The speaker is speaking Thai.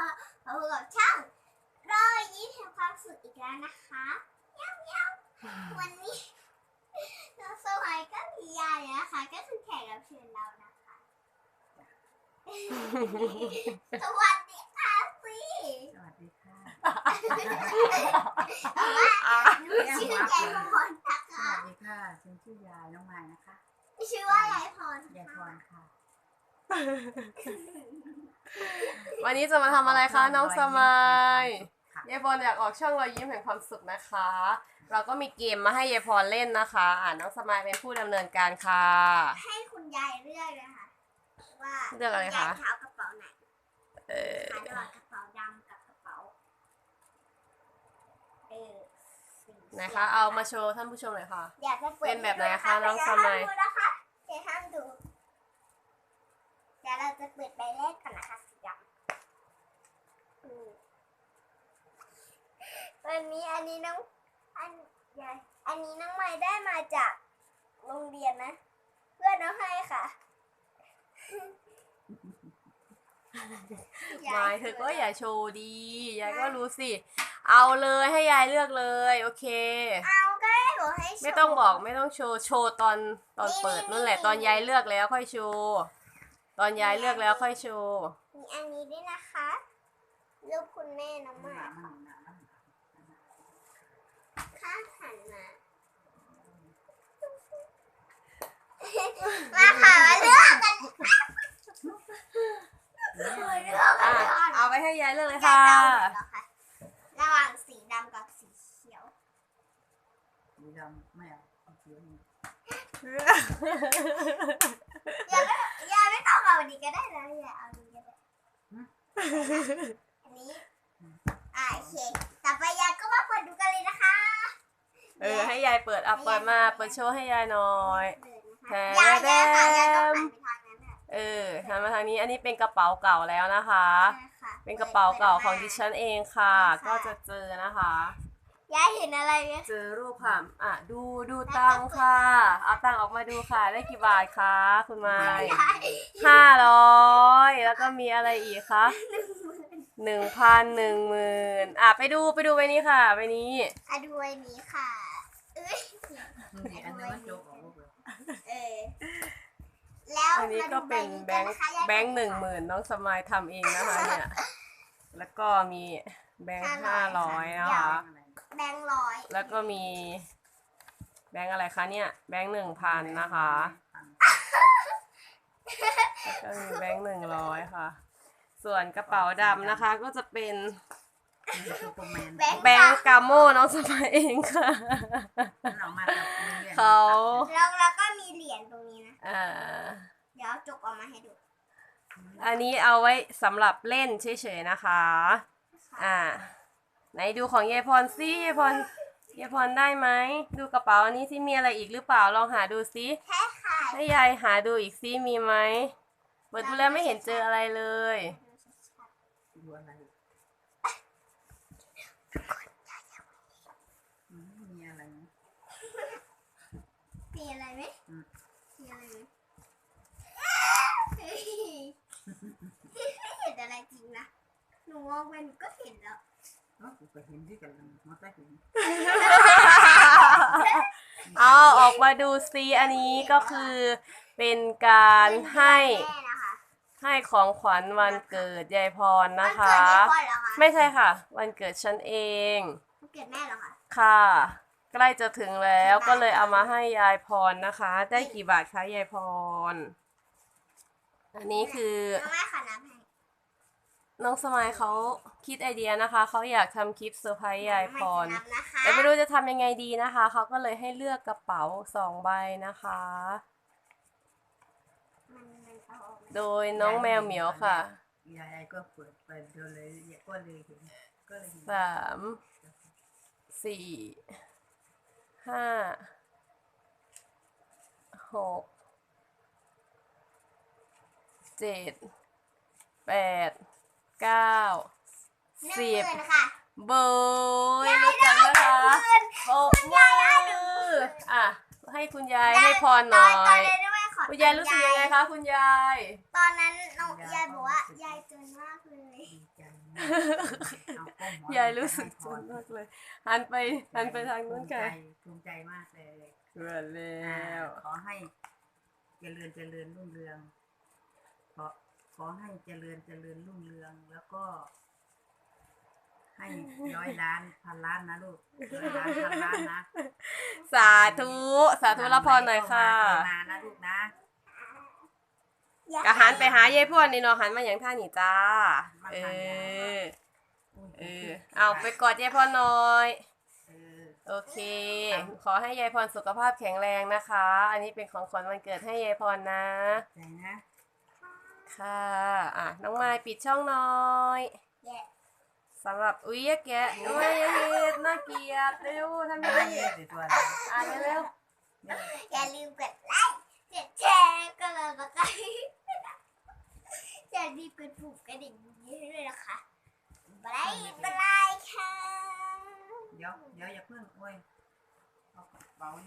มาพบกับช่างรอยยิ้มแห่งความสุขอีกแล้วนะคะวันนี้น้องสมัยก็มียายนะคะก็คือแขกรับเชิญเรานะคะสวัสดีค่ะสิสวัสดีค่ะหนูชื่อยายพรนะคะสวัสดีค่ะฉันชื่อยายน้องไม้นะคะชื่อว่ายายพรยายพรค่ะวันนี้จะมาทำอะไรคะน้องสมายยายพรอยากออกช่องรอยยิ้มแห่งความสุขนะคะเราก็มีเกมมาให้ยายพรเล่นนะคะน้องสมายเป็นผู้ดำเนินการค่ะให้คุณยายเลือกเลยค่ะว่าเลือกอะไรคะยายเท้ากระเป๋าไหนระหว่างกระเป๋าดำกับกระเป๋านะคะเอามาโชว์ท่านผู้ชมหน่อยค่ะอยากจะเป็นแบบไหนคะน้องสมายอย่าห้ามดูเดี๋ยวเราจะเปิดใบแรกก่อนนะคะสีดำวันนี้อันนี้น้องไม้ได้มาจากโรงเรียนนะเพื่อนน้องให้ค่ะมายเธอก็อย่าโชว์ดียายก็รู้สิเอาเลยให้ยายเลือกเลยโอเคเอาก็ได้หนูให้โชว์ไม่ต้องบอกไม่ต้องโชว์ตอนเปิดนั่นแหละตอนยายเลือกแล้วค่อยโชว์ตอนยายเลือกแล้วค่อยโชว์มีอันนี้ด้วยนะคะรูปคุณแม่น้องไม้ข้างหันมาค่ะมาเลือกกันเอาไปให้ยายเลือกเลยค่ะระหว่างสีดำกับสีเขียวสีดำไม่เอาเขียวนี่อย่าไม่ต้องเอาอันนี้ก็ได้นะอย่าเอาอันนี้ก็ได้อันนี้โอเคต่อไปยายก็มาเปิดดูกันเลยนะคะให้ยายเปิดเปิดมาเปิดโชว์ให้ยายหน่อยยายต้องหันไปทางนั้นหันมาทางนี้อันนี้เป็นกระเป๋าเก่าแล้วนะคะเป็นกระเป๋าเก่าของดิฉันเองค่ะก็จะเจอนะคะยายเห็นอะไรไหมเจอรูปค่ะดูตังค่ะเอาตังออกมาดูค่ะได้กี่บาทคะคุณไม้500แล้วก็มีอะไรอีกคะ1,000 10,000ไปดูใบนี้ค่ะใบนี้ดูใบนี้ค่ะอันนี้มันโจ๊กออกแล้วอันนี้ก็เป็นแบงค์10,000น้องสมายทำเองนะคะเนี่ยแล้วก็มีแบงค์500นะคะแบงค์100 แล้วก็มีแบงค์อะไรคะเนี่ยแบงค์1,000นะคะแล้วก็มีแบงค์100ค่ะส่วนกระเป๋าดำนะคะก็จะเป็นแบงค์กาโมน้องสมายเองค่ะเขาแล้วก็มีเหรียญตรงนี้นะเดี๋ยวจกออกมาให้ดูอันนี้เอาไว้สำหรับเล่นเฉยๆนะคะไหนดูของยายพรซิยายพรได้ไหมดูกระเป๋าอันนี้ที่มีอะไรอีกหรือเปล่าลองหาดูซิให้ยายหาดูอีกซิมีไหมเปิดดูแล้วไม่เห็นเจออะไรเลยดูอะไรมีอะไรไหมมีอะไรไหมมีอะไรไหมเห็นอะไรจริงนะหนูมองไปหนูก็เห็นแล้วกูก็เห็นที่กันมาใต้หินเอาออกมาดูซิอันนี้ก็คือเป็นการให้ของขวัญวันเกิดยายพรนะคะไม่ใช่ค่ะวันเกิดฉันเองวันเกิดแม่เหรอคะค่ะใกล้จะถึงแล้วก็เลยเอามาให้ยายพรนะคะได้กี่บาทคะยายพรอันนี้คือน้องสมัยเขาคิดไอเดียนะคะเขาอยากทำคลิปเซอร์ไพรส์ยายพรแต่ไม่รู้จะทำยังไงดีนะคะเขาก็เลยให้เลือกกระเป๋า2 ใบนะคะโดยน้องแมวเหมียวค่ะยายก็เปิดไปดูเลยก็เลยเห็น 3 4 5 6 7 8 9 10เบยรู้จักนะคะปรบมือให้คุณยายให้พรหน่อยคุณยายรู้สึกยังไงคะคุณยายตอนนั้นน้องยายบอกว่ายายจนมากเลยเอาก้มหัวยายรู้สึกจนมากเลย หันไปทางนู้นค่ะภูมิใจมากเลยเกิดแล้วขอให้เจริญรุ่งเรืองขอให้เจริญรุ่งเรืองแล้วก็ ให้100 ล้าน1,000 ล้านนะลูก100 ล้าน1,000 ล้านนะสาธุรับพรหน่อยค่ะมานะลูกนะกะหันไปหายายพวดนี่เนาะหันมาอย่างท่านี่จ้า เออ เอาไปกอดยายพรหน่อย โอเค ขอให้ยายพรสุขภาพแข็งแรงนะคะ อันนี้เป็นของขวัญวันเกิดให้ยายพรนะใจนะค่ะ อ่ะ น้องไม้ปิดช่องหน่อยแย่สำหรับอุ๊ยแกะน้องไม้อย่าเฮ็ดน่าเกลียดเร็วทำไมไม่เย็นตัวอ่ะเร็วอย่าลืมกดไลค์กดแชร์กดติดตามอย่าลืมกดปุ่มกระดิ่งนี้ให้ด้วยนะคะบายบายค่ะเดี๋ยวอย่าเพิ่งโอ้ยเอากระเป๋า